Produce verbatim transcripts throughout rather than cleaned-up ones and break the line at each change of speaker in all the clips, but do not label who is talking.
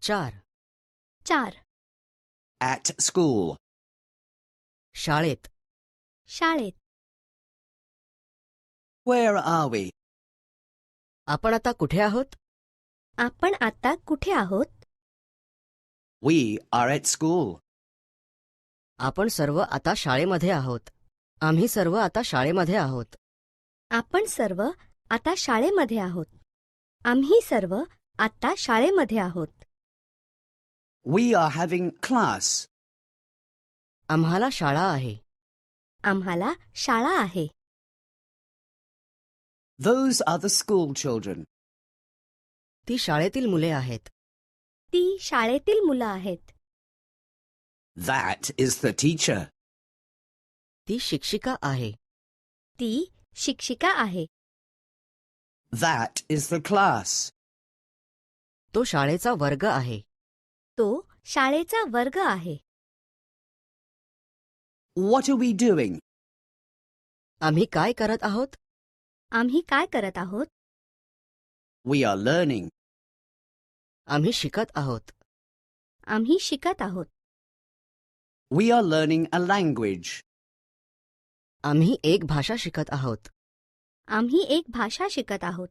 चार.
चार.
At school.
शाळेत.
शाळेत.
Where are we?
आपण आता कुठे आहोत?
आपण आता कुठे आहोत?
We are at school.
आपण सर्व आता शाळेमध्ये आहोत. आम्ही सर्व आता शाळेमध्ये आहोत.
आपण सर्व आता शाळेमध्ये आहोत. आम्ही सर्व आता शाळेमध्ये आहोत.
We are having class.
आम्हाला शाळा आहे.
आम्हाला शाळा आहे.
Those are the school children.
ती शाळेतील मुले आहेत.
ती शाळेतील मुलं आहेत.
That is the teacher.
ती शिक्षिका आहे.
ती शिक्षिका आहे.
That is the class.
तो शाळेचा वर्ग आहे.
तो शाळेचा वर्ग आहे.
What are we doing?
आम्ही काय करत आहोत?
आम्ही काय करत आहोत?
We are learning.
आम्ही शिकत आहोत.
आम्ही शिकत आहोत.
We are learning a language.
आम्ही एक भाषा शिकत आहोत.
आम्ही एक भाषा शिकत आहोत.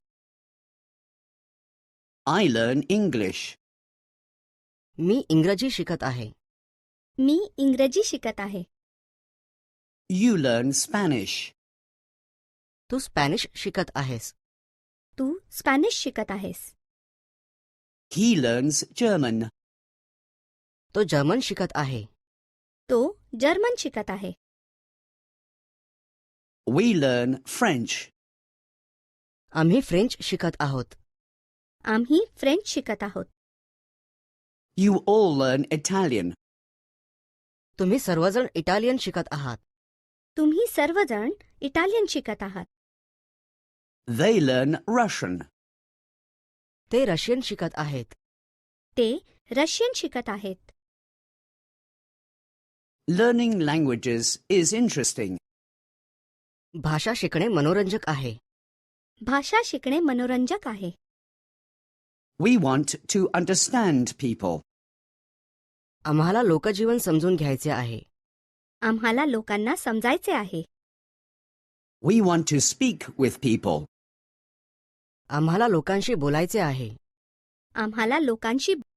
I learn English.
मी इंग्रजी शिकत आहे.
मी इंग्रजी शिकत आहे.
You learn Spanish.
तू स्पॅनिश शिकत आहेस.
तू स्पॅनिश शिकत आहेस.
He learns German.
तो जर्मन शिकत आहे.
तो जर्मन शिकत आहे.
We learn French.
आम्ही फ्रेंच शिकत आहोत.
आम्ही फ्रेंच शिकत आहोत.
You all learn Italian.
तुम्ही सर्वजण इटालियन शिकत आहात.
तुम्ही सर्वजण इटालियन शिकत आहात.
They learn Russian.
ते रशियन शिकत आहेत.
ते रशियन शिकत आहेत.
Learning languages is interesting.
भाषा शिकणे मनोरंजक आहे.
भाषा शिकणे मनोरंजक आहे.
We want to understand people.
आम्हाला लोकजीवन समजून घ्यायचे आहे.
आम्हाला लोकांना समजायचे आहे.
We want to speak with people.
आम्हाला लोकांशी बोलायचे आहे.
आम्हाला लोकांशी